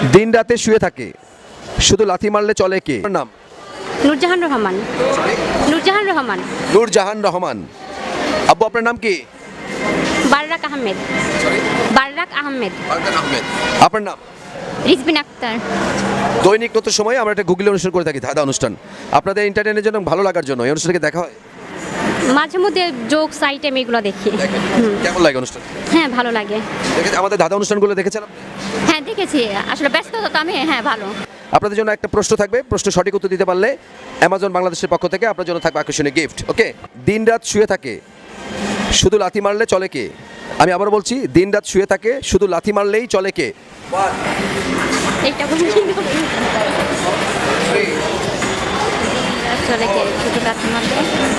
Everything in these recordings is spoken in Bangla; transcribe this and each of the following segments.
দিন রাতে শুয়ে থাকে, শুধু লাথি মারলে চলে কে? আপনার নাম? নূরজাহান রহমান। নূরজাহান রহমান। নূরজাহান রহমান। আব্বু আপনার নাম কি? বাররাক আহমেদ। বাররাক আহমেদ। বারকাত আহমেদ। আপনার নাম? রিজবিন আক্তার। দৈনিক নতুন সময় আমরা একটা গুগলি অনুষ্ঠান করে থাকি, ধাঁধা অনুষ্ঠান। আপনাদের এন্টারটেইনের জন্য ভালো লাগার জন্য এই অনুষ্ঠানকে দেখা হয়? মাঝে মধ্যে জোকস আইটেম এগুলো দেখি। কেমন লাগে অনুষ্ঠান? হ্যাঁ ভালো লাগে। আমাদের ধাঁধা অনুষ্ঠানগুলো দেখেছেন আপনি? হ্যাঁ দেখেছি, আসলে ব্যস্ত তো আমি। হ্যাঁ ভালো। আপনাদের জন্য একটা প্রশ্ন থাকবে, প্রশ্ন সঠিক উত্তর দিতে পারলে অ্যামাজন বাংলাদেশের পক্ষ থেকে আপনার জন্য থাকবে আকর্ষণীয় গিফট। ওকে? দিন রাত শুয়ে থাকে, শুধু লাথি মারলে চলে কে? আমি আবার বলছি, দিন রাত শুয়ে থাকে, শুধু লাথি মারলেই চলে কে? এইটা বলি কিন্তু চলে কে শুধু লাথি মারলে?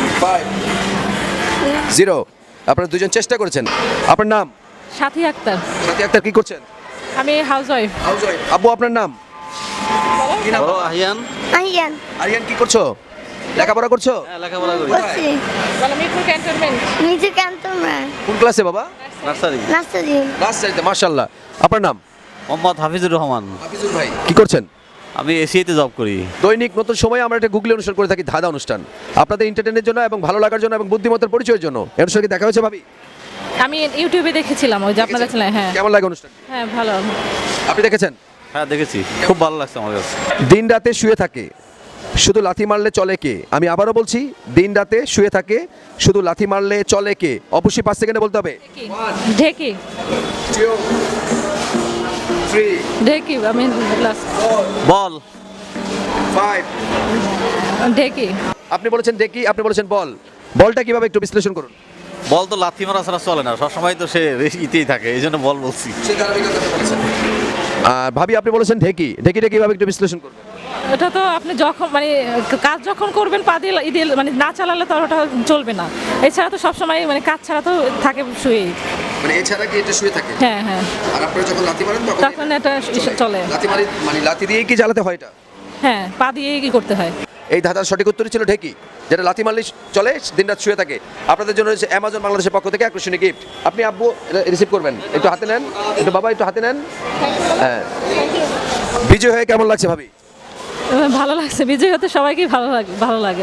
0। আপনারা দুজন চেষ্টা করেছেন। আপনার নাম? সাথী আক্তার। সাথী আক্তার, কি করছেন? আমি হাউস ওয়াইফ। আব্বু আপনার নাম? কি নাম? আহিয়ান। আইয়ান আরিয়ান, কি করছো? লেখাপড়া করছো? হ্যাঁ, লেখাপড়া করি। বলছি মিরপুর ক্যান্টনমেন্ট। নিজে ক্যান্টনমেন্ট কোন ক্লাসে বাবা? নার্সারি। নাস্তাজি নার্সারিতে। মাশাআল্লাহ। আপনার নাম? মোহাম্মদ হাফিজুর রহমান। হাফিজুর ভাই, কি করছেন? আমি এশিয়াতে জব করি। দৈনিক নতুন সময়ে আমরা একটা গুগলি অনুষ্ঠান করে থাকি, ধাঁধা অনুষ্ঠান। আপনাদের এন্টারটেইনের জন্য এবং ভালো লাগার জন্য এবং বুদ্ধিমত্তার পরিচয়ের জন্য এই অনুষ্ঠানকে দেখা হয়েছে ভাবি? আমি ইউটিউবে দেখেছিলাম, ওই যে আপনাদের চ্যানেলে। হ্যাঁ কেমন লাগে অনুষ্ঠান? হ্যাঁ ভালো। আপনি দেখেছেন? হ্যাঁ দেখেছি, খুব ভালো লাগছে আমার কাছে। দিন রাতে শুয়ে থাকে, শুধু লাথি মারলে চলে কে? আমি আবারও বলছি, দিন রাতে শুয়ে থাকে, শুধু লাথি মারলে চলে কে? অবশ্যই 5 সেকেন্ডে বলতে হবে। ঢেকি। ঢেকি। আমি বল। ঢেকি। আপনি বলেছেন দেখি, আপনি বলেছেন বল। বলটা কিভাবে একটু বিশ্লেষণ করুন। বল তো লাথি মারা ছাড়া চলে না, সবসময় তো সে ইতেই থাকে, এই জন্য বল বলছি। আর ভাবি আপনি বলেছেন ঢেকি। ঢেকিটা কিভাবে একটু বিশ্লেষণ করবেন? এটা তো আপনি যখন মানে কাজ যখন করবেন পা দিয়ে মানে না চালালে তো আর ওটা চলবে না। এছাড়া তো সবসময় মানে কাজ ছাড়া তো থাকে শুয়েই। মানে এছাড়া কি এটা শুয়ে থাকে? হ্যাঁ হ্যাঁ, আর আপনারা যখন লাথি মারেন তখন এটা চলে। লাথি মারি মানে লাথি দিয়ে কি চালাতে হয় এটা? হ্যাঁ, পা দিয়েই কি করতে হয়। এই ধাঁধার সঠিক উত্তরই ছিল ঢেকি, যেটা লাথি মারলে চলে, দিনরাত শুয়ে থাকে। আপনাদের জন্য রয়েছে অ্যামাজন বাংলাদেশের পক্ষ থেকে আকর্ষণীয় গিফট। আপনি আব্বু রিসিভ করবেন, একটু হাতে নেন, একটু বাবা একটু হাতে নেন। হ্যাঁ, বিজয় হয়ে কেমন লাগছে ভাবি? ভালো লাগছে, বিজয় হতে সবাইকেই ভালো লাগে।